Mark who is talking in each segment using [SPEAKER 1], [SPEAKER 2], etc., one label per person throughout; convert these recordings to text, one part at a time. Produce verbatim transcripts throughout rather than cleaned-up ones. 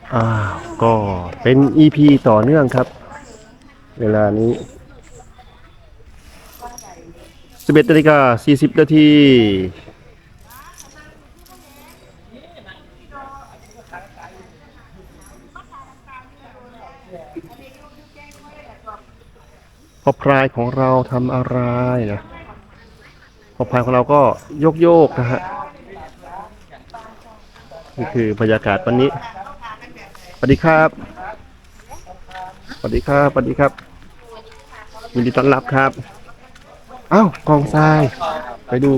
[SPEAKER 1] อ่าก็เป็น อี พี ต่อเนื่องครับเวลานี้สิบเอ็ดนาฬิกาสี่สิบนาทีพอพรายของเราทำอะไรนะพอพรายของเราก็โยกโยกนะฮะนี่คือบรรยากาศวันนี้สวัสดีครับสวัสดีครับสวัสดีครับยินดีต้อนรับครับอ้าวกองทรายไปดู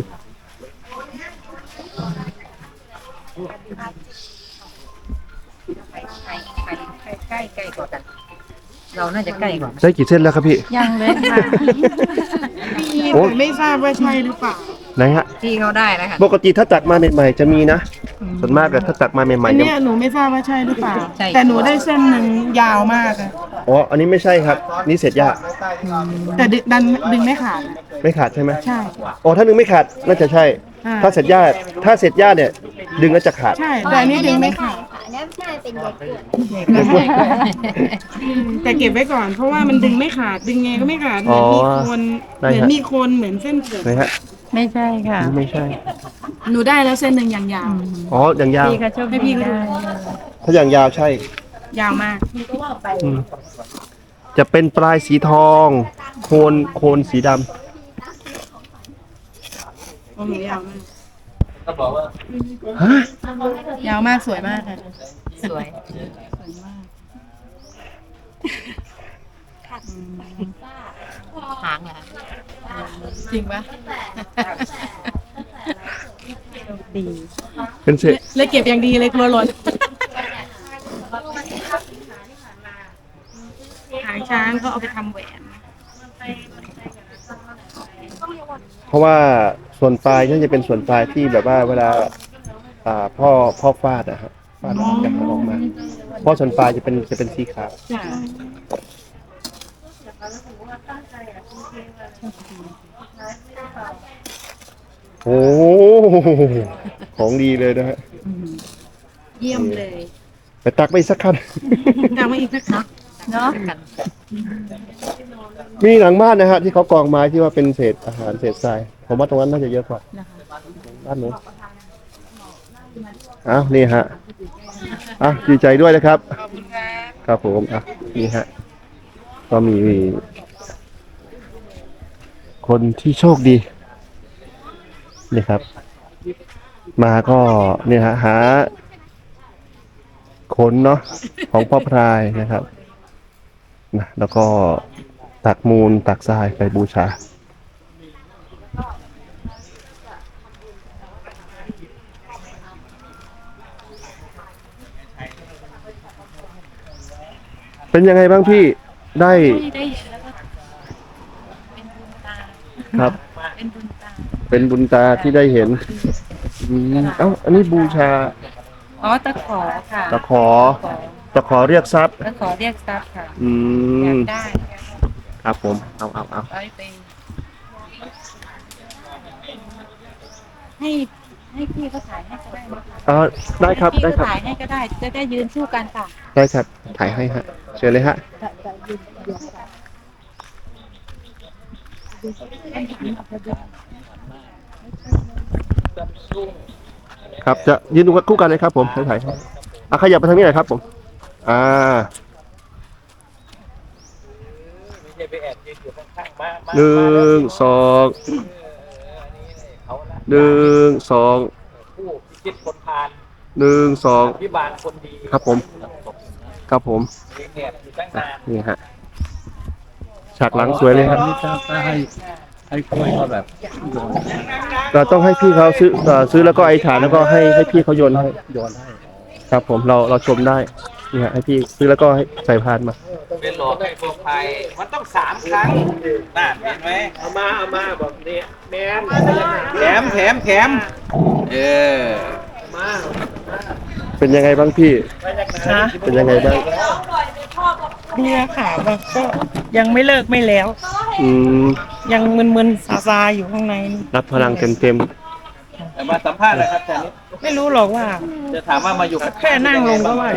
[SPEAKER 2] ใครใครใครใครใกล้ใกล้กว่ากันเราน่าจะใกล้กว่า
[SPEAKER 1] ได้กี่เส้นแล้วครับพี่
[SPEAKER 2] ยังเลยค่ะ
[SPEAKER 3] พี่
[SPEAKER 1] โอ้
[SPEAKER 3] แต่ไม่ทราบว่าใช่หรือเปล่า
[SPEAKER 1] ไหนฮะ
[SPEAKER 2] ที่เขาได้แล้วค่ะ
[SPEAKER 1] ปกติถ้าตักมาใหม่ๆจะมีนะส่วนมากอะถ้าตักมาใหม่
[SPEAKER 3] อัน
[SPEAKER 1] ๆจะ
[SPEAKER 3] เนี้ยหนูไม่ทราบว่าใช่หรือเปล่า
[SPEAKER 2] ใช่
[SPEAKER 3] แต่หนูได้เส้นหนึ่งยาวมากอะ
[SPEAKER 1] อ๋ออันนี้ไม่ใช่ครับนี่เสร็จยาก
[SPEAKER 3] แต่ดึงดันดึงไม่ขาด
[SPEAKER 1] ไม่ขาดใช่ไหม
[SPEAKER 3] ใช่
[SPEAKER 1] อ๋อถ้าดึงไม่ขาดน่าจะใช่
[SPEAKER 3] อ่า
[SPEAKER 1] ถ้าเสร็จยากถ้าเสร็จยากเนี่ยดึงแล้วจะขาด
[SPEAKER 3] ใช่แต่อันนี้ดึงไม่ขาด
[SPEAKER 4] อันนี้ไม่ใช่เป็นเด็กเกิด
[SPEAKER 3] แต่เก็บไว้ก่อน เพราะว่ามันดึงไม่ขาดดึงไงก็ไม่ขาดเหมือนมีโคนเหมือนมีโคนเหมือนเส้นเผือก
[SPEAKER 1] ไหนฮะ
[SPEAKER 2] ไม่ใช่ค่ะ
[SPEAKER 1] นี่ไม่ใช่
[SPEAKER 3] หนูได้แล้วเส้นหนึ่งอย่างยาว
[SPEAKER 1] อ๋ออย่างยาว
[SPEAKER 2] พี่ก็โชค
[SPEAKER 3] ให้พี่
[SPEAKER 2] ดี
[SPEAKER 3] ก็ดู
[SPEAKER 2] ได้
[SPEAKER 1] ถ้าอย่างยาวใช่
[SPEAKER 3] ยาวมาก
[SPEAKER 1] อืมจะเป็นปลายสีทองโคนโคนสีดำ
[SPEAKER 3] โอ้หนูยาวมาก
[SPEAKER 1] ฮะ
[SPEAKER 3] ยาวมากสวยมากค่ะ
[SPEAKER 2] สวยหางเหรอ
[SPEAKER 3] จริงปะ
[SPEAKER 2] ดี
[SPEAKER 1] เป็นเศษ
[SPEAKER 3] เลยเก็บอย่างดีเลยกลัวหล่นหางช้างก็เอาไปทำแหวน
[SPEAKER 1] เพราะว่าส่วนปลายนั่นจะเป็นส่วนปลายที่แบบว่าเวลาอ่าพ่อพ่อฟาดนะฮะฟาดแล้วจะหางออกมาเพราะส่วนปลายจะเป็นจะเป็นสีขาว
[SPEAKER 3] จ้ะ
[SPEAKER 1] โอ้ของดีเลยนะฮะ
[SPEAKER 3] เยี่ยมเลย
[SPEAKER 1] ไปตักไปอีกสักคัน
[SPEAKER 3] ตามมาอีกนะคะ
[SPEAKER 2] เนาะกัน
[SPEAKER 1] มีหลังบ้านนะฮะที่เขากองไม้ที่ว่าเป็นเศษอาหารเศษทรายผมว่าตรงนั้นน่าจะเยอะกว่าบ้านนู้นอ้าวนี่ฮะอ่ะดีใจด้วยนะครับครับผมอ่ะนี่ฮะก็มีคนที่โชคดีนี่ครับ มาก็เนี่ยฮะหาขนเนาะของพ่อพรายนะครับนะแล้วก็ตักมูลตักทรายไปบูชาเป็นยังไงบ้างพี่ได้
[SPEAKER 2] ได้แล้วก็เป็นบุญตา
[SPEAKER 1] ครับ
[SPEAKER 2] เป็นบุญตา
[SPEAKER 1] เป็นบุญตาที่ได้เห็นอืมเอ้าอันนี้บูชา
[SPEAKER 2] อ๋อตะขอค่ะ
[SPEAKER 1] ตะขอตะขอเรียกทรัพย์
[SPEAKER 2] ตะขอเรียกทรัพย์ค่ะ
[SPEAKER 1] อื
[SPEAKER 2] อยาม กได้
[SPEAKER 1] ครับผมเอาเอาเอา
[SPEAKER 2] ร้อยปีให้ให้พี่เขาถ่ายให้ก็ได้นะคะ
[SPEAKER 1] เออได้ครับ
[SPEAKER 2] พี่
[SPEAKER 1] ได้ครับ
[SPEAKER 2] เขาถ่ายให้ก็ได้ จะได้ยืนสู้กันค่ะ
[SPEAKER 1] ได้ครับถ่ายให้ฮะเชิญเลยฮะครับจะยืนดูคู่กันเลยครับผมถ่ายถ่ายให้อ่ะขยับไปทางนี้หน่อยครับผมอ่าหนึ่งสองหนึ่งสอง
[SPEAKER 5] ผู้พิชิตคนพาล
[SPEAKER 1] หนึ่งสอง
[SPEAKER 5] พิบาลคนดี
[SPEAKER 1] ครับผมครับผม
[SPEAKER 5] เลี้ยงแอบอยู่ตั้งนาน
[SPEAKER 1] นี่ฮะฉากหลังสวยเลยครับ
[SPEAKER 6] ถ้าให้ให้กล้วยเขาแบบ
[SPEAKER 1] เราต้องให้พี่เขาซื้อเอ่อซื้อแล้วก็ไอ้ฐานแล้วก็ให้ให้พี่เขาโยนให้
[SPEAKER 6] โยนให้
[SPEAKER 1] ครับผมเราเราชมได้นี่ฮะให้พี่ซื้อแล้วก็ให้ใส่พานมา
[SPEAKER 5] เป็นหลอกให้พวกไทยมันต้องสามครั้งน่าเห็นไหมเอามาเอามาบอกนี่แมนแถมแถมแถมเออมา
[SPEAKER 1] เป็นยังไงบ้างพี่
[SPEAKER 3] นะ
[SPEAKER 1] เป็นยังไงบ้าง
[SPEAKER 3] เนี่ยค่ะแล้วก็ยังไม่เลิกไม่แล้ว
[SPEAKER 1] อืม
[SPEAKER 3] ยังมึนๆซาๆอยู่ข้างใน
[SPEAKER 1] รับพลังเต็มเต็ม
[SPEAKER 5] แต่มาสัมภาษณ์เลยครับอาจารย์นิด
[SPEAKER 3] ไม่รู้หรอกว่า
[SPEAKER 5] จะถามว่ามาอยู่กับ
[SPEAKER 3] แค่นั่งลงก็ว่าจะ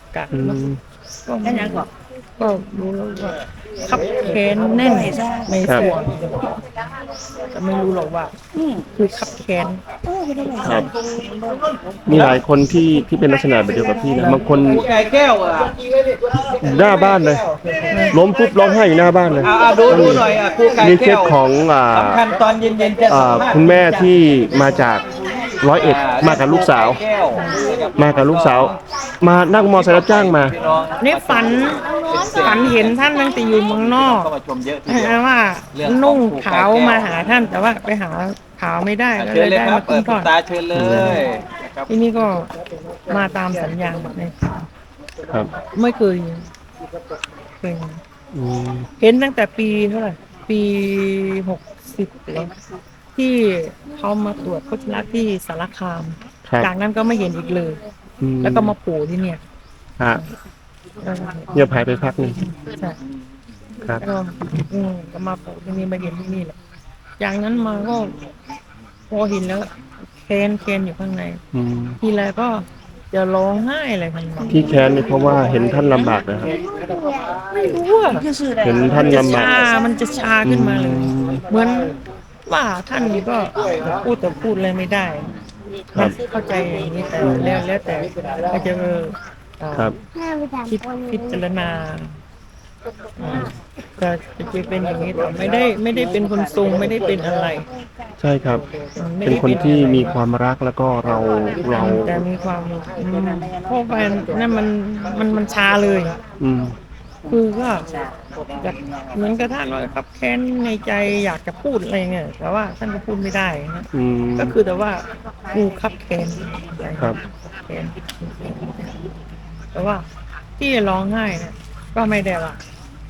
[SPEAKER 2] กะ
[SPEAKER 1] อื
[SPEAKER 2] เนาะ
[SPEAKER 1] ม
[SPEAKER 2] ก็ไม่ยังก็ก็รู้แล้วว่าขับแค้นแน่นในส่วนแต่ไม่รู้หรอกว่าคือขับแค้น
[SPEAKER 1] ครับ มีหลายคนที่ที่เป็นลักษณะแบบเดียวกับพี่นะบางคน
[SPEAKER 5] ไก่แก้วอ่ะ
[SPEAKER 1] หน้าบ้านเลย ล้มปุ๊บร้องไห้อยู่หน้าบ้านเลย
[SPEAKER 5] อ่าดูดูหน่อยอ่ะครูไก่
[SPEAKER 1] มีเค
[SPEAKER 5] แก้
[SPEAKER 1] ส
[SPEAKER 5] ว
[SPEAKER 1] ของอ่า
[SPEAKER 5] สำคัญตอนเย็นๆจะ
[SPEAKER 1] อ่าคุณแม่ที่มาจากร้อยเอ็ดมากับลูกสาว
[SPEAKER 5] แก้ว
[SPEAKER 1] มากับลูกสาว มานั่งมอเตอร์ไซค์รับจ้างมา
[SPEAKER 5] พี่น้อง
[SPEAKER 2] นี่ฝันฝันเห็นท่านตั้งแต่อยู่เมืองนอก
[SPEAKER 5] ก็มาชมเยอะทีเดียว
[SPEAKER 2] ว่านุ่งขาวมาหาท่านแต่ว่าไปหาขาวไม่ได้ก็
[SPEAKER 5] เชิ
[SPEAKER 2] เล
[SPEAKER 5] ญ
[SPEAKER 2] ย
[SPEAKER 5] เลย
[SPEAKER 2] ได้
[SPEAKER 5] ครับ
[SPEAKER 2] มา
[SPEAKER 5] เอ
[SPEAKER 2] ขึ้
[SPEAKER 5] อน คุณ
[SPEAKER 2] ก่อน
[SPEAKER 5] ตาเชิญเลยนะครับ
[SPEAKER 2] ที่นี่ก็มาตามสัญญาแบบนี้
[SPEAKER 1] ครับ
[SPEAKER 2] ไม่เคยเคย
[SPEAKER 1] อืม
[SPEAKER 2] เห็นตั้งแต่ปีเท่าไหร่ปีหกสิบแล้วที่เขามาตรวจโคชลักที่สารคาม
[SPEAKER 1] ครับ
[SPEAKER 2] จากนั้นก็ไม่เห็นอีกเลย
[SPEAKER 1] อื
[SPEAKER 2] แล้วก็มาโผล่ที่เนี่ย
[SPEAKER 1] ฮะ
[SPEAKER 2] แล้วก็
[SPEAKER 1] เงียบหายไปพักหนึง
[SPEAKER 2] ใช่
[SPEAKER 1] ครับ
[SPEAKER 2] ก็อืมก็มาโผล่ที่นี่มาเห็นที่นี่แหละจากนั้นมาก็พอเห็นแล้วแค้นแค้นอยู่ข้างใน
[SPEAKER 1] อืม
[SPEAKER 2] ทีไรก็จะร้องไห้อะไรทันที
[SPEAKER 1] ที่แค้นนี่เพราะว่าเห็นท่านลำบากนะครับ
[SPEAKER 2] ไม่รู้อ่ะ
[SPEAKER 1] เห็นท่าน
[SPEAKER 2] จะ
[SPEAKER 1] ลำบาก
[SPEAKER 2] ชา มันจะชาขึ้นมาเลย เหมือนว่าท่านนี่ก็พูดแต่พูดอะไรไม่ได้
[SPEAKER 1] ครับ
[SPEAKER 2] เข้าใจอย่างนี้แต่แล้วแล้วแต่ก็จะเออเอ่อ
[SPEAKER 1] ครับ
[SPEAKER 4] แม่ไปถาม
[SPEAKER 2] คิด
[SPEAKER 4] คน
[SPEAKER 2] พิจารณาอืมจะจะเป็นอย่างนี้แต่ไม่ได้ไม่ได้เป็นคนทรงไม่ได้เป็นอะไร
[SPEAKER 1] ใช่ครับ
[SPEAKER 2] อืมไม่
[SPEAKER 1] เป็น
[SPEAKER 2] ได้
[SPEAKER 1] คนที่
[SPEAKER 2] อะไร
[SPEAKER 1] มีความรักแล้วก็เราเรา
[SPEAKER 2] แต่มีความอืมเพราะว่านั่นมันมันมันชาเลย
[SPEAKER 1] อืม
[SPEAKER 2] คือก็อยากเหมือนกับท่านว่าครับแค้นในใจอยากจะพูดอะไรเงี้ยแต่ว่าท่านก็พูดไม่ได้นะ
[SPEAKER 1] อืม
[SPEAKER 2] ก็คือแต่ว่ากูคับแค้นใจ
[SPEAKER 1] ครับ
[SPEAKER 2] แค้นแต่ว่าที่ร้องไห้เนี่ยก็ไม่ได้ว่า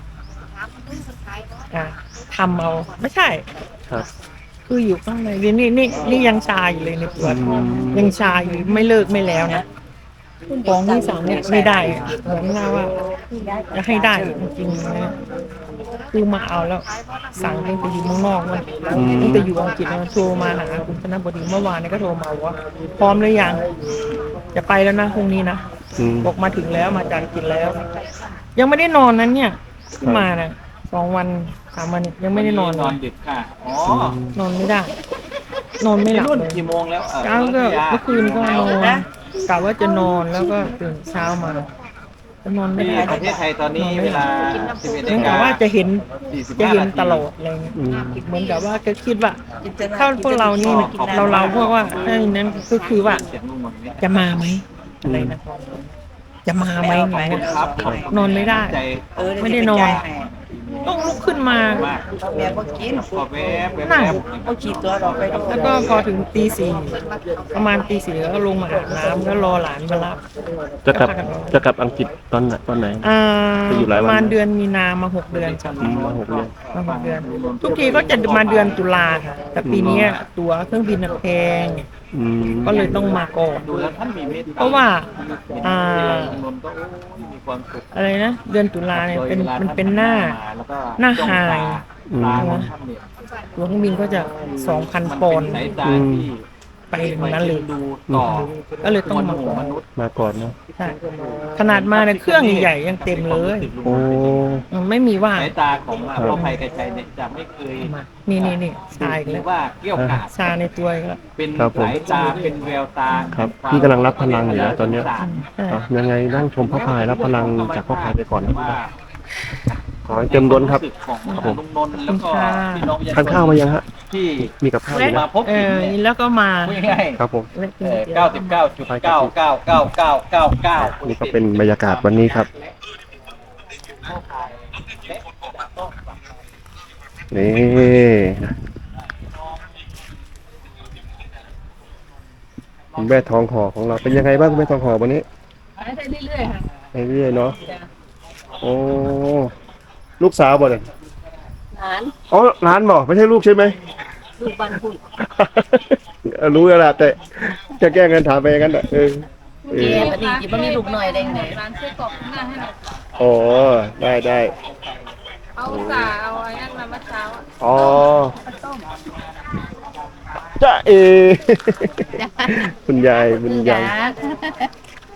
[SPEAKER 2] อ่ะทำเอาไม่ใช่
[SPEAKER 1] ครับ
[SPEAKER 2] คืออยู่ข้างในนี่นี่นี่นี่ยังชาอยู่เลยในตัว
[SPEAKER 1] อืม
[SPEAKER 2] ยังชาอยู่ไม่เลิกไม่แล้วนะฟ้องที่สามเนี่ยไม่ได้อะเหมือนกับว่าจะให้ได้จริงๆนะคือมาเอาแล้วสั่งตั้งแต่อยู่เมืองนอกมันตั้งแต่อยู่อังกฤษนะโทรมาหาคุณธนบดีเมื่อวานนี้ก็โทรมาว่า พร้อมหรือยังจะไปแล้วนะพรุ่งนี้นะ
[SPEAKER 1] อืม
[SPEAKER 2] บอกมาถึงแล้วมาจากอังกฤษแล้ว ยังไม่ได้นอนนั้นเนี่ยที่มาน่ะสองวันสามวันเนี่ยยังไม่ได้นอน
[SPEAKER 5] น
[SPEAKER 2] เล
[SPEAKER 5] อน
[SPEAKER 2] ย
[SPEAKER 5] ดึกค่ะ อ๋อ
[SPEAKER 2] นอนไม่ได้ นอนไม่หลับ
[SPEAKER 5] รุ่น
[SPEAKER 2] เลย
[SPEAKER 5] กี่โมงแล้วเออ
[SPEAKER 2] เช้าก็เมื่อคืนก็นอนกะว่าจะนอนแล้วก็ตื่นเช้ามาจะนอนไม่
[SPEAKER 5] ที่
[SPEAKER 2] ได้
[SPEAKER 5] ประเทศไทยตอนนี้เวลาสิบเอ็ด
[SPEAKER 2] เห
[SPEAKER 5] นา
[SPEAKER 2] มือน
[SPEAKER 5] ฬิ
[SPEAKER 2] กับ
[SPEAKER 5] กา
[SPEAKER 2] ว่าจะเห็น
[SPEAKER 5] สี่สิบ
[SPEAKER 2] จะ
[SPEAKER 5] ห้า
[SPEAKER 2] เห็น
[SPEAKER 5] นาที
[SPEAKER 2] ตลอดอะไรเงี้ย
[SPEAKER 1] อืม
[SPEAKER 2] เหมือนกับว่าก็คิดว่าถ้าพวกเรานี่เราเราพวกว่าถ้าอย่างนั้นก็คือว่า
[SPEAKER 5] เสียงนุ่มมันเนี่ย
[SPEAKER 2] จะมาไหมอะไรนะจะมาไหมอย่างเงี้ย
[SPEAKER 5] ครับ
[SPEAKER 2] นอนไม่ได้
[SPEAKER 5] ใจ
[SPEAKER 2] ไม่ได้นอน ต้องลุกขึ้นมา
[SPEAKER 5] มาก
[SPEAKER 7] แม่ก็กิน
[SPEAKER 5] ขอแวบแวบ
[SPEAKER 2] นั่ง
[SPEAKER 5] แวบ
[SPEAKER 7] เอาขี่ตัวเราไป
[SPEAKER 2] แล้วก็พอถึงตีสี่ประมาณตีสี่ก็ลงมาอาบน้ำก็รอหลานมารับ
[SPEAKER 1] จะกลับจะกลับอังกฤษตอนไหนตอนไหน
[SPEAKER 2] อ่า
[SPEAKER 1] ไปอยู่หลายวัน
[SPEAKER 2] ประมาณเดือนมีนามาหกเดือนจ้ะ
[SPEAKER 1] อืมมาหกเดือน
[SPEAKER 2] มาหกเดือน ทุกทีก็จะมาเดือนตุลาค่ะ แต่ปีนี้ตั๋วเครื่องบินน่ะแพง
[SPEAKER 1] อืม
[SPEAKER 2] ก็เลยต้องมาก่อน
[SPEAKER 5] ดูแล้วท่านมีเมตตา
[SPEAKER 2] เพราะว่า อ่า
[SPEAKER 5] นนท์ก็โอ้ยมีความสุข
[SPEAKER 2] อะไรนะเดือนตุลาเนี่ยเป็นมันเป็นหน้า
[SPEAKER 5] แล้วก็
[SPEAKER 2] หน้า
[SPEAKER 5] จ้อง
[SPEAKER 2] ไฮ
[SPEAKER 5] ตตาของท่านเนี่ย
[SPEAKER 2] ตั๋วเครื่องบินก็จะสองพัน
[SPEAKER 5] มัน
[SPEAKER 2] ปอ
[SPEAKER 5] เป็น
[SPEAKER 2] นด์
[SPEAKER 5] สายตาที่
[SPEAKER 2] ไปถึงนั้นเลย
[SPEAKER 5] ดูต่อ
[SPEAKER 2] ก็เลยต้องมาก่อน
[SPEAKER 5] มนุษย์
[SPEAKER 1] มาก่อนเนาะ
[SPEAKER 2] ใช่ขนาดมาเนี่ยเครื่องใหญ่ๆยังเต็มเลย
[SPEAKER 1] โอ้
[SPEAKER 2] อืมไม่มีว่าง
[SPEAKER 5] สายตาของพ่อภัยกระชัยเนี่ยจะไม่เคย
[SPEAKER 2] มานี่นี่นี่ชาอีก
[SPEAKER 5] หรื
[SPEAKER 2] แล้
[SPEAKER 5] อ
[SPEAKER 2] ว
[SPEAKER 5] ว่าเกี่ยวกาด
[SPEAKER 2] ชาในตัวอีกแล้ว
[SPEAKER 5] เป็น
[SPEAKER 1] ครับผม
[SPEAKER 5] สายตาเป็นแววตา
[SPEAKER 1] ครับพี่กำลังรับพลังอยู่นะตอนเนี้ย
[SPEAKER 2] ใช่
[SPEAKER 1] เอายังไงนั่งชมพระพายรับพลังจากพระพายไปก่อนนะ
[SPEAKER 5] ว่า
[SPEAKER 1] ขอให้เต็มล้นครับ
[SPEAKER 5] ของลุงนนท์แล้วก็พี่น้องประชช
[SPEAKER 1] ทานข้าวมายังฮะ
[SPEAKER 5] ที่
[SPEAKER 1] มีกับข้าวอยู่
[SPEAKER 5] มา
[SPEAKER 1] นะ
[SPEAKER 5] พบ
[SPEAKER 2] เอ
[SPEAKER 5] เห็น
[SPEAKER 2] อแล้วก็มา
[SPEAKER 5] พูดง่าย
[SPEAKER 1] ครับผม
[SPEAKER 2] และกิน
[SPEAKER 5] ๆ
[SPEAKER 2] เดี๋ยว
[SPEAKER 5] เก้าสิบเก้าจุดเก้าเก้าเก้าเก้าเก้าเก้า
[SPEAKER 1] นี่ก็เป็นบรรยากาศวันนี้ครับ นี่คุณแม่ทองหอของเราเป็นยังไงบ้างคุณแม่ทองหอวันนี้
[SPEAKER 2] ได้เรื่อยๆค่ะ
[SPEAKER 1] ไปเรื่อยเนาะโอ้ลูกสาวบ่เลย
[SPEAKER 2] หลาน
[SPEAKER 1] อ๋อร้านบอกไม่ใช่ลูกใช่ไหม
[SPEAKER 2] ลูกบ้านคุณ
[SPEAKER 1] รู้แล้วล่ะแต่จะแก้เงินถามไปอย่างนั้นแหละเออเอ
[SPEAKER 7] เย่
[SPEAKER 1] อ
[SPEAKER 7] ปฏิจิตมันมีลูกหน่อยได้ไง
[SPEAKER 2] ร้านเสื้อกรอกข้างหน้าให้หน่อย
[SPEAKER 1] อ๋อได้ได้
[SPEAKER 2] เอาสาเอาไอ้นั่นมาเมื่อเช้าอ่ะ
[SPEAKER 1] อ๋อจ้าเอ คุณยายคุณยาย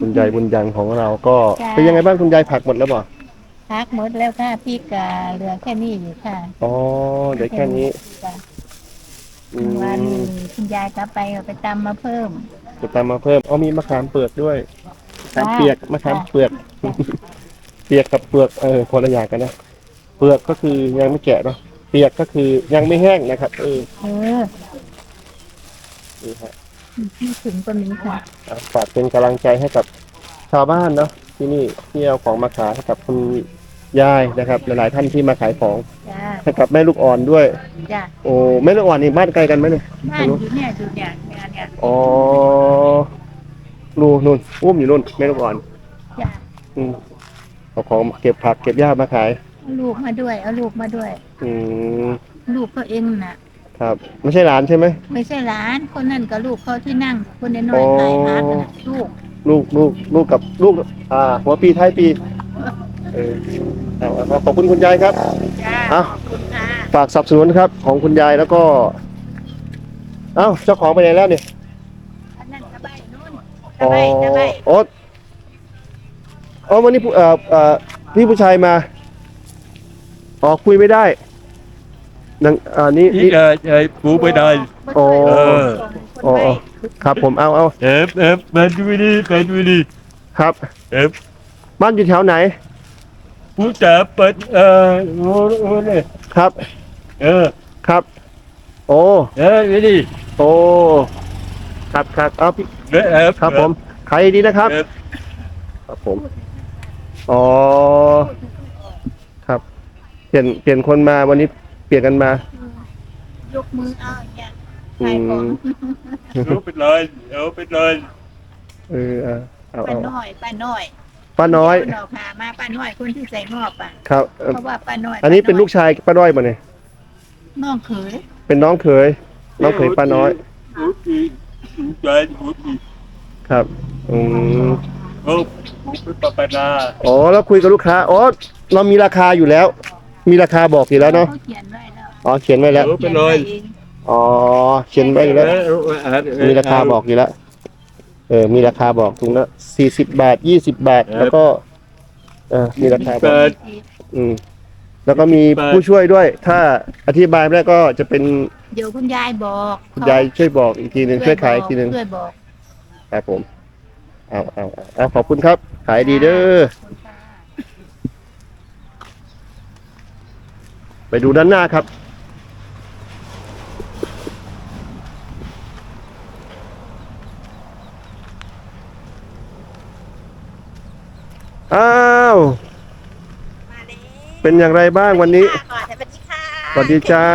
[SPEAKER 1] คุณยายบุญยังของเราก็เป็นยังไงบ้างคุณยายผักหมดแล้วบ่
[SPEAKER 4] พักหมดแล้วค่ะพี่กาเหลือแค่นี้อยู่ค่ะ
[SPEAKER 1] อ๋อเดี๋ยวแค่นี้
[SPEAKER 4] จ้ะ
[SPEAKER 1] อื
[SPEAKER 4] วัน
[SPEAKER 1] ม
[SPEAKER 4] นี้คุณยายกลับไปเอาไปตำมาเพิ่ม
[SPEAKER 1] จะตามมาเพิ่มอ๋อมีมะขามเปลือกด้วยมะขาม
[SPEAKER 4] จ้า
[SPEAKER 1] เปียกมะขามเปลือก เปียกกับเปลือกเออคนละอย่างกันนะเปลือกก็คือยังไม่แกะเนาะเปียกก็คือยังไม่แห้งนะครับเออ
[SPEAKER 4] เออ
[SPEAKER 1] นี่ฮะ
[SPEAKER 4] ที่ถึงก็มีค่ะ
[SPEAKER 1] อ่ะฝากเป็นกำลังใจให้กับชาวบ้านเนาะที่นี่ที่เอาของมาขายให้กับคุณยายนะครับ หลายๆท่านที่มาขายของ
[SPEAKER 4] จ้า
[SPEAKER 1] ให้กับแม่ลูกอ่อนด้วย
[SPEAKER 4] จ้า
[SPEAKER 1] โอ้แม่ลูกอ่อนนี่บ้านไกลกันไหมเนี่ย
[SPEAKER 4] บ้านอยู่เนี่ยอยู่เนี่ยเนี่ยเนี่ย
[SPEAKER 1] อ๋อนู่นนู่นอุ้มอยู่นู่นแม่ลูกอ่อน
[SPEAKER 4] จ้า
[SPEAKER 1] อืมเอาของเก็บผักเก็บหญ้ามาขาย
[SPEAKER 4] เอาลูกมาด้วยเอาลูกมาด้วย
[SPEAKER 1] อืม
[SPEAKER 4] ลูกเขาเองน่ะ
[SPEAKER 1] ครับไม่ใช่หลานใช่ไหม
[SPEAKER 4] ไม่ใช่หลานคนนั่นกับลูกเขาที่นั่ง คนน้อยๆขายฮักน่ะลูก
[SPEAKER 1] ลูกลูกลูกกับลูกอ่าหัวปีท้ายปีเออเอาเอาขอบคุณคุณยายครับ
[SPEAKER 4] จ้า
[SPEAKER 1] เอา
[SPEAKER 4] ขอบคุณค่ะ
[SPEAKER 1] ฝากสนับสนุนครับของคุณยายแล้วก็ เอ้าเจ้าของไปไหนแล้วเนี่ย
[SPEAKER 4] อันนั้นตะไบนู่น
[SPEAKER 1] อ๋
[SPEAKER 4] ตะ
[SPEAKER 1] อ
[SPEAKER 4] ไบตะไบ
[SPEAKER 1] โอ๊ตอ๋อวันนี้ผู้เอ่อเอ่อพี่ผู้ชายมาอ๋อคุยไม่ได้นังอ่านี่
[SPEAKER 6] อี
[SPEAKER 1] นี่
[SPEAKER 6] เออเออปูไปได้
[SPEAKER 1] โอ้
[SPEAKER 6] เออ
[SPEAKER 1] อ๋ออ๋อครับผมเอาเอา
[SPEAKER 6] เอฟเอฟไปดูดิไปดูดิ
[SPEAKER 1] ครับ
[SPEAKER 6] เอฟ
[SPEAKER 1] บ้านอยู่แถวไหน
[SPEAKER 6] ปูจะเปิดเออโอ้โหเนี่ย
[SPEAKER 1] ครับ
[SPEAKER 6] เออ
[SPEAKER 1] ครับ โอ้
[SPEAKER 6] เออไปดิ
[SPEAKER 1] โอ้ครับครับเอาพี่
[SPEAKER 6] เอฟเอฟ
[SPEAKER 1] ครับผมขายดีนะครับ
[SPEAKER 6] เอฟ
[SPEAKER 1] ครับผม อ๋อ ครับ เปลี่ยน เปลี่ยนคนมาวันนี้เปลี่ยนกันมา
[SPEAKER 4] ยกมือเอาอย่างเงี้ย
[SPEAKER 1] อื
[SPEAKER 4] ขายของ
[SPEAKER 1] ม
[SPEAKER 6] เอาไปเลยเอาไปเลย
[SPEAKER 1] เออเอาเอา
[SPEAKER 4] ป้า
[SPEAKER 1] เอา
[SPEAKER 4] น้อยป้าน้อย
[SPEAKER 1] ป้าน้อย
[SPEAKER 4] เาดอกพามาป้าน้อยคนที่ใส่งอบอ่ะ
[SPEAKER 1] ครับเอ่อ
[SPEAKER 4] เพราะว่าป้าน้อย
[SPEAKER 1] อันนี้เป็นลูกชายป้าน้อยมาเนี่ย
[SPEAKER 4] น้องเขย
[SPEAKER 1] เป็นน้องเขย น้องเขยป้าน้อย
[SPEAKER 6] ปูปีปูใจปูปี
[SPEAKER 1] ครับ อืม
[SPEAKER 6] โอ้ปูไปปะปะนา
[SPEAKER 1] อ๋อ แล้วคุยกับลูกค้า อ๋อ เรามีราคาอยู่แล้ว มีราคาบอกอยู่แล้วเนาะ
[SPEAKER 4] เขาเขียนไว้แล้ว
[SPEAKER 1] อ๋อ เขียนไว้แล้ว
[SPEAKER 6] เอาไปเลย
[SPEAKER 4] เอง
[SPEAKER 1] อ๋อ เขียนไว้อยู่แล้ว
[SPEAKER 6] เออเออเออ
[SPEAKER 1] มีราคาบอกอยู่แล้ว เออ มีราคาบอกถุงละสี่สิบบาท ยี่สิบบาท แล้วก็ เออ มีราคาบอก
[SPEAKER 6] เปิด
[SPEAKER 1] อืม แล้วก็มีผู้ช่วยด้วย ถ้าอธิบายไม่ได้ก็จะเป็น
[SPEAKER 4] เดี๋ยวคุณยายบอก
[SPEAKER 1] คุณยายช่วยบอกอีกทีหนึ่งช่วยขายอีกทีหนึ่ง
[SPEAKER 4] ช่วยบอก
[SPEAKER 1] ครับผม เอาเอาเอาเอาขอบคุณครับ ขายดีเด้อ ไปดูด้านหน้าครับ อ้าว เป็นอย่างไรบ้างวันนี้
[SPEAKER 4] ก่อนสวัสดีค่ะ
[SPEAKER 1] สวัสดีจ้า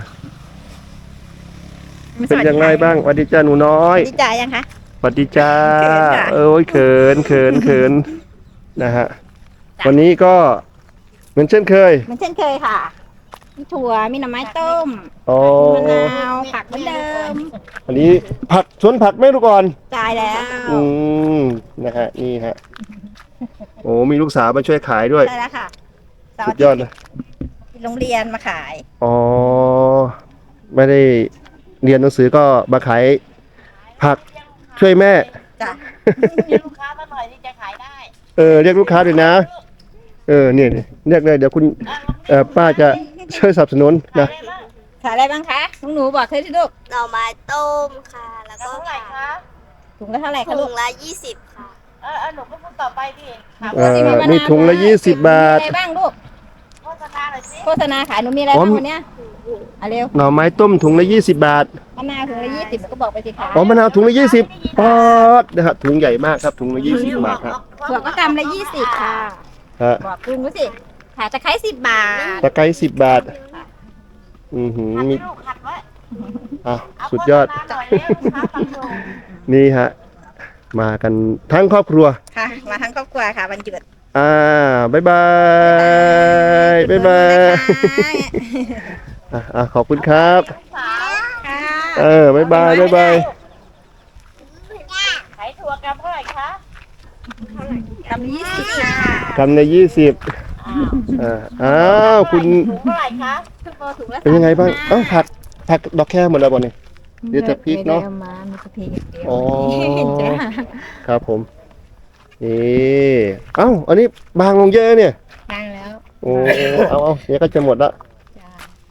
[SPEAKER 1] เป็นอย่างไรบ้างสวัสดีจ้าหนูน้อย
[SPEAKER 4] ดีจ่ายังคะ
[SPEAKER 1] สวัสดีจ้า
[SPEAKER 4] เขินค่ะ
[SPEAKER 1] เอ้ยเขินเขินเขินนะฮะ วันนี้ก็เหมือนเช่นเคย
[SPEAKER 4] เหมือนเช่นเคยค่ะ มีถั่ว มีหน่อไม้ต้ม
[SPEAKER 1] อ๋อ
[SPEAKER 4] มะนาว ผักเหมือนเดิม
[SPEAKER 1] อันนี้ผักสวนผักไม่รู้ก่อน
[SPEAKER 4] จ่ายแล้ว
[SPEAKER 1] อืมนะฮะ นี่ฮะ โอ้มีลูกสาวมาช่วยขายด้วย
[SPEAKER 4] ใช่แล้วค่ะเสาร์
[SPEAKER 1] สุ
[SPEAKER 4] อา
[SPEAKER 1] ด
[SPEAKER 4] ทิ
[SPEAKER 1] ย
[SPEAKER 4] ต
[SPEAKER 1] อด
[SPEAKER 4] ย์
[SPEAKER 1] เลย
[SPEAKER 4] โรงเรียนมาขาย
[SPEAKER 1] อ๋อ ไม่ได้เรียนหนังสือก็มาขายผักช่วยแม่
[SPEAKER 4] จ้ะ
[SPEAKER 7] ลูกค้ามาหน่อยที่จะขายได้
[SPEAKER 1] เออ เรียกลูกค้าด้วยนะ เออเนี่ยเนี่ยเรียกเลยเดี๋ยวคุณเอ่อป้าจะช่วยสนับสนุนนะ
[SPEAKER 4] ขายอะไรบ้างคะน้องหนูบอกเธอที่ลูก
[SPEAKER 8] หน่อไม้ต้มค่ะ แล้วก็
[SPEAKER 7] เท่าไหร่คะ
[SPEAKER 4] ถุงละเท่าไหร่คะ
[SPEAKER 8] ถุ
[SPEAKER 4] ลูก
[SPEAKER 8] งละยี่สิบค่ะ
[SPEAKER 7] เออเออหนูก็พูดต่อไปดิถาม
[SPEAKER 1] เอ่อมีถุงละยี่สิบบาท
[SPEAKER 4] มีอะไรบ้างลูก
[SPEAKER 7] โฆษณาหน่อยสิ
[SPEAKER 4] โฆษณาขายหนูมีอะไร
[SPEAKER 1] อ๋อ
[SPEAKER 4] บ้างวันเนี้ยเอาเร็ว
[SPEAKER 1] หน่อไม้ต้มถุงละยี่สิบบาท
[SPEAKER 4] มะนาวถุงละยี่สิบก็บอกไปสิคะ
[SPEAKER 1] อ๋อมะนาวถุงละยี่สิบปอดนะฮะถุงใหญ่มากครับถุงละยี่สิบบาทครับ
[SPEAKER 4] ถั่วก็กำละยี่สิบค่ะ
[SPEAKER 1] ฮะ
[SPEAKER 4] บอกลุงดูสิขายตะไคร้สิบบาท
[SPEAKER 1] ตะไคร้สิบบาท อือหือมี
[SPEAKER 7] ลูกขัดไว้
[SPEAKER 1] อ่ะสุดยอด
[SPEAKER 7] เาโฆษณาหน่อยเร็วลูกค้าฟังอยู่
[SPEAKER 1] นี่ฮะ มากันทั้งครอบครัว
[SPEAKER 4] ค่ะ มาทั้งครอบครัวค่ะวันหยุด
[SPEAKER 1] อ่าบ๊ายบายบ๊ายบายอ่ะอ่ะขอบคุณครับ
[SPEAKER 4] ค่ะ
[SPEAKER 1] เออบ๊ายบายบ๊ายบาย
[SPEAKER 7] ขายถั่วกรัมเท่าไหร่คะ
[SPEAKER 4] กำยี่สิบค่ะ
[SPEAKER 1] คำในยี่สิบอ่าอ้าวคุณ
[SPEAKER 7] ถุงเท่าไหร่คะ
[SPEAKER 4] ถุงละ
[SPEAKER 1] เป็นยังไงบ้างเอ้าผักผักดอกแค่หมดแล้วบ่เนี่ย เดี๋ยวจะพริกเนอะ
[SPEAKER 4] ไม่ได้อมามีแต่พริกเดียว
[SPEAKER 1] อ๋อ
[SPEAKER 4] จ้า
[SPEAKER 1] ครับผมนี่เอ้าอันนี้บางลงเยอะเนี่ย
[SPEAKER 4] ดังแล้ว
[SPEAKER 1] โอ้เอาเอาเนี่ยก็จะหมดละ
[SPEAKER 4] จ้า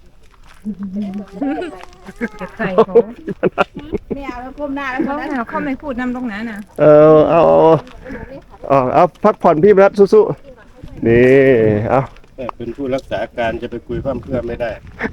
[SPEAKER 2] จะใส่ของ
[SPEAKER 3] ไม่เอาแล้วก้มหน้าแล้ว
[SPEAKER 2] เขาเนี่ยเขาไม่พูดนำตรงนั้นน่ะ
[SPEAKER 1] เออเอาเอาเอาเอาพักผ่อนพี่รัฐสู้ๆนี่เอา
[SPEAKER 6] แต่เป็นผู้รักษาการจะไปคุยเพิ่มเพื่อไม่ได้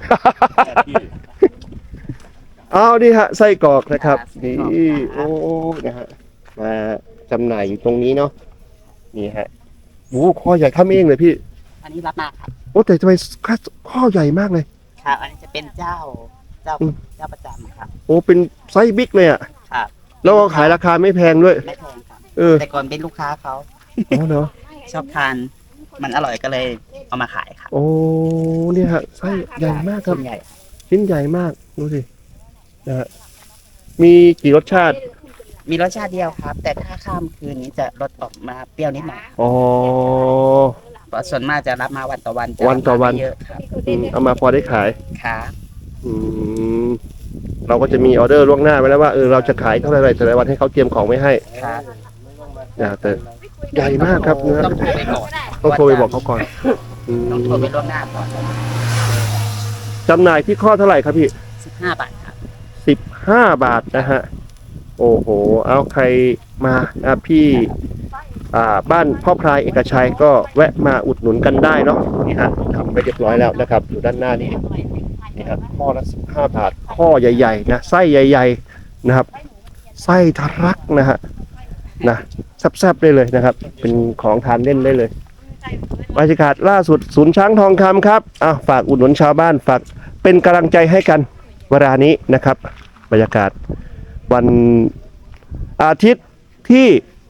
[SPEAKER 1] เอาดิฮะไส้กรอกนะครับนี่โอ้นะฮะมาจำหน่ายอยู่ตรงนี้เนาะนี่ฮะโอ้ข้อใหญ่ทำเองเลยพี่
[SPEAKER 9] อันนี้รับมาครับ
[SPEAKER 1] โอ้แต่ทำไมข้อใหญ่มากเลย
[SPEAKER 9] ครับ อันนี้จะเป็นเจ้า เจ้า
[SPEAKER 1] อืม
[SPEAKER 9] เจ้าประจำครับ
[SPEAKER 1] โอ้เป็นไซส์บิ๊กเลยอ่ะ
[SPEAKER 9] ครับ
[SPEAKER 1] แล้วก็ขายราคาไม่แพงด้วย
[SPEAKER 9] ไม่แพงครับ
[SPEAKER 1] เออ
[SPEAKER 9] แต่ก่อนเป็นลูกค้าเขา
[SPEAKER 1] อ๋อเนาะ
[SPEAKER 9] ชอบทาน มันอร่อยก็เลยเอามาขายครับ
[SPEAKER 1] โอ้เนี่ยฮะไส้ใหญ่มากครับ
[SPEAKER 9] ส่วนใหญ่
[SPEAKER 1] ชิ้นใหญ่มากดูสินะฮะมีกี่รสชาติ
[SPEAKER 9] มีรสชาติเดียวครับ แต่ถ้าข้ามคืนนี้จะรสออกมาเปรี้ยวนิดหน่อย
[SPEAKER 1] อ๋อ
[SPEAKER 9] เพราะส่วนมากจะรับมาวันต่อวันจะ
[SPEAKER 1] วันต่อวัน
[SPEAKER 9] รับมาไม่เยอะครับ
[SPEAKER 1] อืมเอามาพอได้ขาย
[SPEAKER 9] ครับ
[SPEAKER 1] อืมเราก็จะมีออเดอร์ล่วงหน้าไว้แล้วว่าเออเราจะขายเท่าไหร่แต่ละวันให้เขาเตรียมของไว้ให้
[SPEAKER 9] ครับ
[SPEAKER 1] นะแต่ใหญ่มากครับเนื้อ
[SPEAKER 9] ต้องโทรไปก่อน
[SPEAKER 1] ต้องโทรไปบอกเขาก่อนอืม
[SPEAKER 9] ต้องโทรไปล่วงหน้าก่อน
[SPEAKER 1] จำหน่ายที่ข้อเท่าไหร่ครับพี่
[SPEAKER 9] สิบห้าบาทครับ
[SPEAKER 1] สิบห้าบาทนะฮะโอ้โหเอาใครมาอ่ะพี่อ่าบ้านพ่อพลายเอกชัยก็แวะมาอุดหนุนกันได้เนาะนี่ฮะทำไปเรียบร้อยแล้วนะครับอยู่ด้านหน้านี้นี่ครับข้อละสิบห้าบาทข้อใหญ่ๆนะไส้ใหญ่ ๆนะครับ ไส้ทะลักนะฮะนะแซ่บๆได้เลยนะครับ เป็นของทานเล่นได้เลยบรรยากาศล่าสุดศูนย์ช้างทองคำครับอ่ะฝากอุดหนุนชาวบ้านฝากเป็นกำลังใจให้กันเวลานี้นะครับ บรรยากาศวันอาทิตย์ที่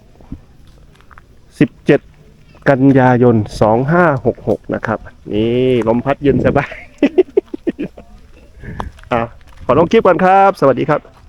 [SPEAKER 1] สิบเจ็ด กันยายน สองห้าหกหก นะครับ นี่ลมพัดเย็นสบาย อ่ะขอลงคลิปก่อนครับ สวัสดีครับ